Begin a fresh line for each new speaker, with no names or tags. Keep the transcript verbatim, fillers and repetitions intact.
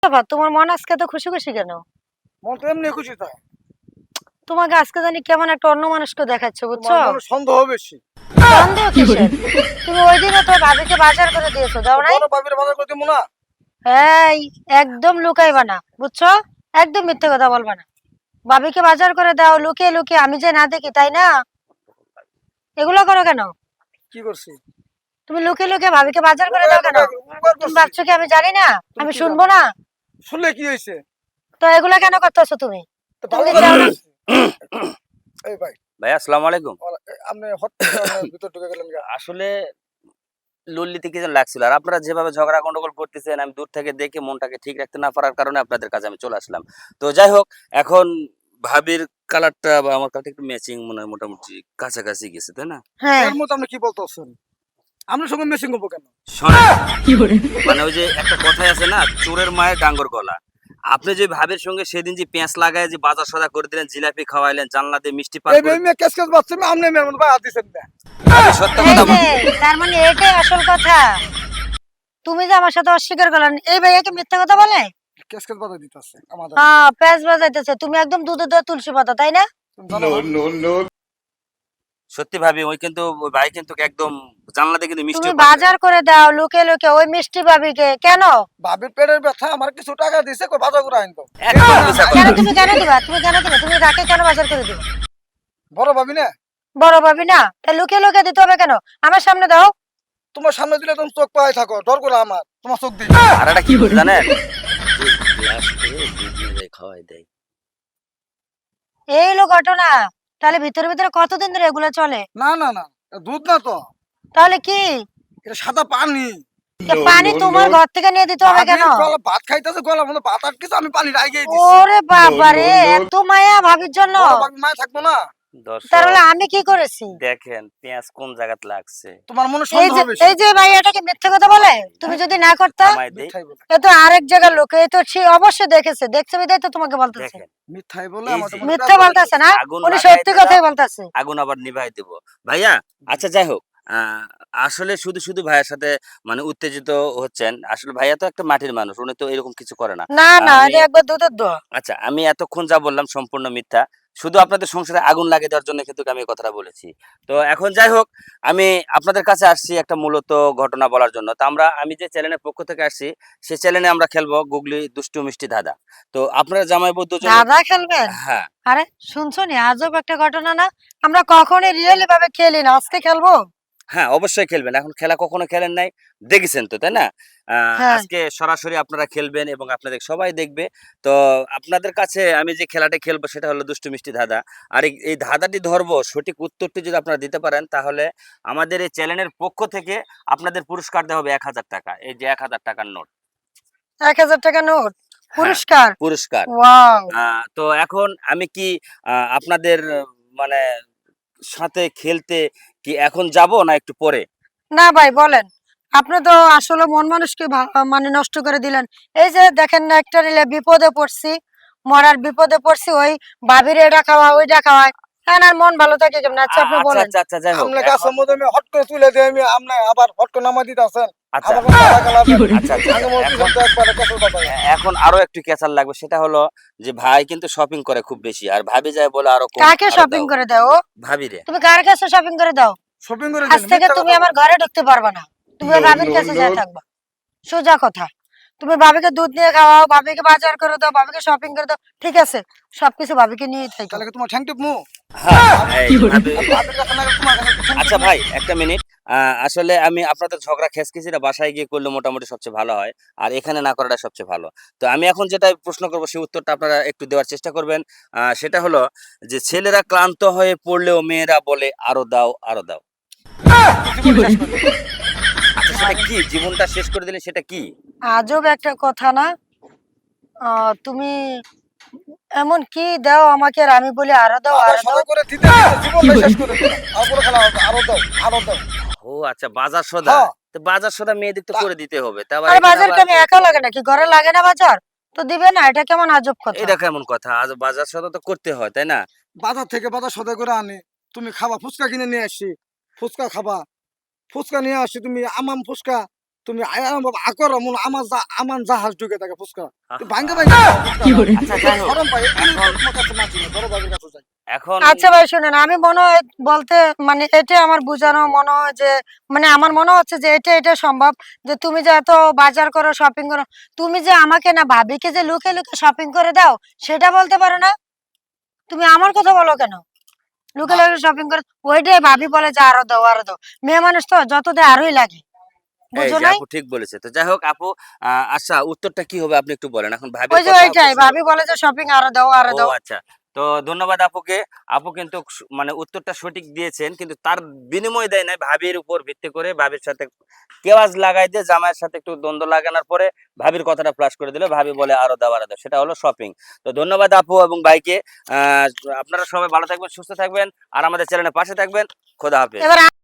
বাবা, তোমার মন আজকে তো খুশি খুশি কেন?
মন তো এমনি খুশি থাকে।
তোমাকে আজকে জানি কেমন একটা অন্য মানুষকে দেখাচ্ছে, বুঝছো?
তোমার মনে সন্দেহ বেশি।
সন্দেহ কিসের? তুমি ওই দিনে তো ভাবিকে বাজার করে দিয়েছো, দাও নাই?
বড় বাবির বাজার করে দিমু না।
এই, একদম লুকাইবা না, বুঝছো? একদম মিথ্যে কথা বলবা না। ভাবিকে বাজার করে দাও লুকিয়ে লুকিয়ে, আমি যে না দেখি, তাই না? এগুলো করো কেন?
কি করছি?
তুমি লুকিয়ে লুকিয়ে ভাবিকে বাজার করে দাও কেন?
উপকার
তুমি
করছি।
ভাবছো কি আমি জানি না?
তুমি
আমি
কি
শুনবো
জানো?
না?
শুনলে কি হইছে?
তো এগুলা কেন করতেছো তুমি?
তো
তুমি
ভালো
কি
করে
চাও না?
করছি। এই ভাই,
ভাই আসসালামু আলাইকুম।
ওরা- আপনি হট করে আপনার ভিতর ঢুকে গেলেন গা।
আসলে লল্লিতে কি যেন লাগছিল। আর আপনারা যেভাবে ঝগড়া গন্ডগোল করতেছেন আমি দূর থেকে দেখে মনটাকে ঠিক রাখতে না পারার কারণে আপনাদের কাছে আমি চলে আসলাম। তো যাই হোক, এখন ভাবির কালারটা বা আমার কালারটা একটু ম্যাচিং মনে হয়, মোটামুটি কাছাকাছি গেছে, তাই না?
হ্যাঁ।
এর মতো আপনি কি বলতেছেন? আপনার সঙ্গে মেশিং করবো কেন?
শোনেন, মানে ওই যে একটা কথাই আছে না, চোরের মায়ের ডাঙ্গর গলা। আপনি যে ভাবির সঙ্গে সেদিন যে পেঁয়াজ লাগায় যে বাজার সদা করে দিলেন, জিলাপি খাওয়াইলেন, জানলা দিয়ে মিষ্টি পান
এই
করে
মেয়ে কেস কেস বাচ্চা মেয়ে আপনি মেমন ভাই হাত দিছেন না।
আমি সত্য
এই
কথা
যে,
বল-
তার মানে এটাই আসল কথা। তুমি যে আমার সাথে অস্বীকার করলেন, এই ভাইয়া কি মিথ্যা কথা বলে?
কেস কেস বাধা দিতেছে আমাদের।
হ্যাঁ, প্যাঁচ বাজাইতেছে। তুমি একদম দুধে দেওয়া তুলসী পাতা, তাই না?
তুমি জানো না?
সত্যি ভাবি, ওই কিন্তু ওই ভাই কিন্তু একদম জানলা দিয়ে কিন্তু মিষ্টি
তুমি বাজার করে দাও লুকে লুকে ওই মিষ্টি ভাবিকে, কেন?
ভাবির পেটের ব্যথা আমার কিছু টাকা দিছে কই বাজার করে আনতো।
একদম মিছা
কেন
কথা।
তুমি কেন দিবা? তুমি কেন দিবা? তুমি রাকে কেন বাজার করে দিবা?
বড় ভাবি না,
বড় ভাবি না, তাই লুকে লুকে দিতে হবে কেন? আমার সামনে দাও।
তোমার সামনে দিলে তুমি চোখ পাই থাকো, ডর করে আমার তোমার চোখ দিই।
আর এটা কি বলে জানেন, যে গ্লাস করে দুধ নিয়ে যায় খাওয়াই দেয়।
এই হলো ঘটনা। তাহলে ভিতরে ভিতরে কতদিন ধরে এগুলো চলে?
না না না, এটা দুধ না তো,
তাহলে কি?
এটা সাদা পানি।
এ পানি তোমার ঘর থেকে নিয়ে দিতে হবে কেন?
ভাবির গলা ভাত খাইতেছে, গলার মধ্যে ভাত আটকেছে, আমি পানি রাইগেই দিছি।
ওরে বাবা রে, এত মায়া ভাবির জন্য?
বড় ভাবি মায় থাকবো না?
দর্শক
তাহলে আমি কি করেছি?
দেখেন পেঁয়াজ কোন জায়গাতে লাগছে।
তোমার মনে
এই
সন্দেহ
যে
বেশি।
এই যে ভাই এটাকে মিথ্যে কথা বলে, তুমি যদি না করতা।
আমায় দেই,
মিথ্যাই বলে,
এ তো আরেক জায়গার লোক, এই তো সে অবশ্যই দেখেছে, দেখছে বিধায় তো তোমাকে বলতেছে।
দেখেন
মিথ্যাই বলে
এই
আমার
যে
তো মনে
মিথ্যে
প্যাঁচ
বলতেছে না,
আগুন
উনি
লাগাই
সত্যি
দিলাম,
কথাই বলতেছে।
আগুন আবার নিভাই দেব। ভাইয়া, আচ্ছা যাই হোক, আহ, আসলে শুধু শুধু ভাইয়ের সাথে মানে উত্তেজিত হচ্ছেন। আসলে ভাইয়া তো একটা মাটির মানুষ, উনি তো এরকম কিছু করে না।
না না,
আমি
এটা একবার দুধের দোয়া।
আচ্ছা, আমি এতক্ষণ যা বললাম সম্পূর্ণ মিথ্যা। শুধু আপনাদের সংসারে আগুন লাগিয়ে দেওয়ার জন্য কিন্তু আমি এই কথাটা বলেছি। তো এখন যাই হোক, আমি আপনাদের কাছে আসছি একটা মূলত ঘটনা বলার জন্য। তো আমরা আমি যে চ্যানেলের পক্ষ থেকে আসছি, সেই চ্যানেলে আমরা খেলবো গুগলি দুষ্টু মিষ্টি ধাঁধা। তো আপনারা জামাই বউ দুজনে,
দাদা খেলবেন?
হ্যাঁ
আরে শুনছো নি, আজব একটা ঘটনা না। আমরা কখনোই রিয়েলি ভাবে খেলি না, আজকে খেলবো।
হ্যাঁ, অবশ্যই খেলবেন। এখন খেলা কখনো খেলেন নাই, দেখেছেন তো, তাই না? আহ,
হ্যাঁ।
আজকে সরাসরি আপনারা খেলবেন এবং আপনাদের সবাই দেখবে। তো আপনাদের কাছে আমি যে খেলাটা খেলবো সেটা হলো দুষ্টু মিষ্টি ধাঁধা। আর এই এই ধাঁধাটি ধরবো, সঠিক উত্তরটি যদি আপনারা দিতে পারেন তাহলে আমাদের এই চ্যানেলের পক্ষ থেকে আপনাদের পুরস্কার দেওয়া হবে এক হাজার টাকা। এই যে এক হাজার টাকার নোট।
এক হাজার টাকা নোট
হ্যাঁ,
পুরস্কার।
পুরস্কার।
ওয়াও।
আহ, তো এখন আমি কি আহ, আপনাদের আহ, মানে সাথে খেলতে কি এখন যাব না একটু পরে?
না ভাই বলেন, আপনি তো আসলে মন মানুষকে ভা- মানে নষ্ট করে দিলেন। এই যে দেখেন না, একটা রিলে বিপদে পড়ছি, মরার বিপদে পড়ছি, ওই ভাবির এটা খাওয়া ওইটা খাওয়ায়, এখন আর মন ভালো থাকে কেমন? আচ্ছা
আ-
আপনি
আচ্ছা
বলেন।
আচ্ছা আচ্ছা, যাই হোক
আপনি
এখন-
গাছের মধ্যে আমি হট করে তুলে দিয়ে আমি আপনি আবার হট করে নামাই দিতেছেন।
আচ্ছা
আবার কোনো টাকা লাগবে না।
আচ্ছা আচ্ছা
আগে মনে
এখন
হচ্ছে একবারে কেসের কথা।
এ- এখন আরো একটু ক্যাচাল লাগবে, সেটা হলো যে ভাই কিন্তু শপিং করে খুব বেশি, আর ভাবি যায় বলে আরো কম,
কাকে
আরো
শপিং
দাও
করে দাও?
ভাবি রে।
তুমি কার কাছে শপিং করে দাও?
শপিং করে
আজ
দিন,
থেকে
মিথ্যা
তুমি
কথা
আমার
বলেন।
ঘরে ঢুকতে পারবে না, তুমি ওই ভাবির কাছে যায় থাকবা। সোজা কথা। তুমি ভাবিকে দুধ নিয়ে খাওয়াও, ভাবিকে বাজার করে দাও, ভাবিকে শপিং করে দাও, ঠিক আছে, সবকিছু ভাবিকে নিয়ে থাকো।
তাহলে কি তোমার ঠ্যাং টিপমু?
হ্যাঁ, এই ভাবি-
ভাবির কাছে না গেলে তোমার কাছে ঠ্যাং
আচ্ছা
টিপমু?
ভাই, একটা মিনিট। আহ, আসলে আমি আপনাদের ঝগড়া খেসখিচিটা বাসায় গিয়ে করলে মোটামুটি সবচেয়ে ভালো হয়, আর এখানে না করাটা সবচেয়ে ভালো। তো আমি এখন যেটা প্রশ্ন করবো সেই উত্তরটা আপনারা একটু দেওয়ার চেষ্টা করবেন। আহ, সেটা হলো যে ছেলেরা ক্লান্ত হয়ে পড়লেও মেয়েরা বলে আরো দাও আরো দাও।
জীবন শেষ করে দিন।
আচ্ছা সেটা কি? জীবনটা শেষ করে দিলে সেটা কি?
আজব একটা কথা না। আহ, তুমি এমন কি দাও আমাকে, আর আমি বলি আরো দাও
বাবা
আরো দাও।
সবাই করে দিতে দিতে জীবনটা শেষ করে দিন। আর কোনো খেলা হবে না। আরো দাও, আরো দাও।
ও আচ্ছা, বাজার সদা।
হ্যাঁ।
তো বাজার সদা মেয়েদের তো
তা-
করে দিতে হবে, তা আবার
আর
এখানে
বাজার
আবার-
কি আমি একা লাগে নাকি? ঘরে লাগে না বাজার? তো দিবে না, এটা কেমন আজব কথা?
এটা কেমন কথা? আজ বাজার সদা তো করতে হয়, তাই না?
বাজার থেকে বাজার সদাই করে আনি, তুমি খাবা, ফুচকা কিনে নিয়ে আসি, ফুচকা খাবা, ফুচকা নিয়ে আসি, তুমি আমাম ফুচকা তুমি আয়া বাবা আকর মন আমার যা আমার জাহাজ ঢুকে থাকে ফুসকা তুই ভাঙ্গে ভাঙ্গে
আচ্ছা যাই হোক
গরম পাই
এখন
তোমার কাছে মাছি না বড় ভাইয়ের কাছে যাই
এখন
আচ্ছা ভাই শুনেন, আমি মনে হয় বলতে মানে এটা আমার বোঝানো মনে হয় যে মানে আমার মনে হচ্ছে যে এটা এটা সম্ভব যে তুমি যে এত বাজার করো শপিং করো, তুমি যে আমাকে না ভাবিকে যে লুকে লুকে শপিং করে দাও সেটা বলতে পারো না? তুমি আমার কথা বলো কেন? লুকে লুকে শপিং করে ওইটাই ভাবি বলে যে আরো দাও আরো দাও, মেয়ে মানুষ তো যত দেয় আরোই লাগে,
এই
বুঝো
যে
নাই?
আপু ঠিক বলেছে। তো যাই হোক আপু, আহ, আচ্ছা উত্তরটা কি হবে আপনি একটু বলেন, এখন ভাবির
ওই যে
কথা আপু
ওইটাই
শুনবো।
ভাবি বলে যে শপিং আরো দাও আরো
ও
দাও।
আচ্ছা, তো ধন্যবাদ আপুকে। আপু কিন্তু সু- মানে উত্তরটা সঠিক দিয়েছেন, কিন্তু তার বিনিময় দেয় নাই, ভাবির উপর ভিত্তি করে ভাবির সাথে কেওয়াজ লাগাই দিয়ে জামাইয়ের সাথে একটু দ্বন্দ্ব লাগানোর পরে ভাবির কথাটা ফ্লাশ করে দিল, ভাবি বলে আরো দাও আরো দাও, সেটা হলো শপিং। তো ধন্যবাদ আপু এবং ভাইকে। আহ আপনারা সবাই ভালো থাকবেন, সুস্থ থাকবেন, আর আমাদের চ্যানেলের পাশে থাকবেন। খোদা হাফেজ।
এবার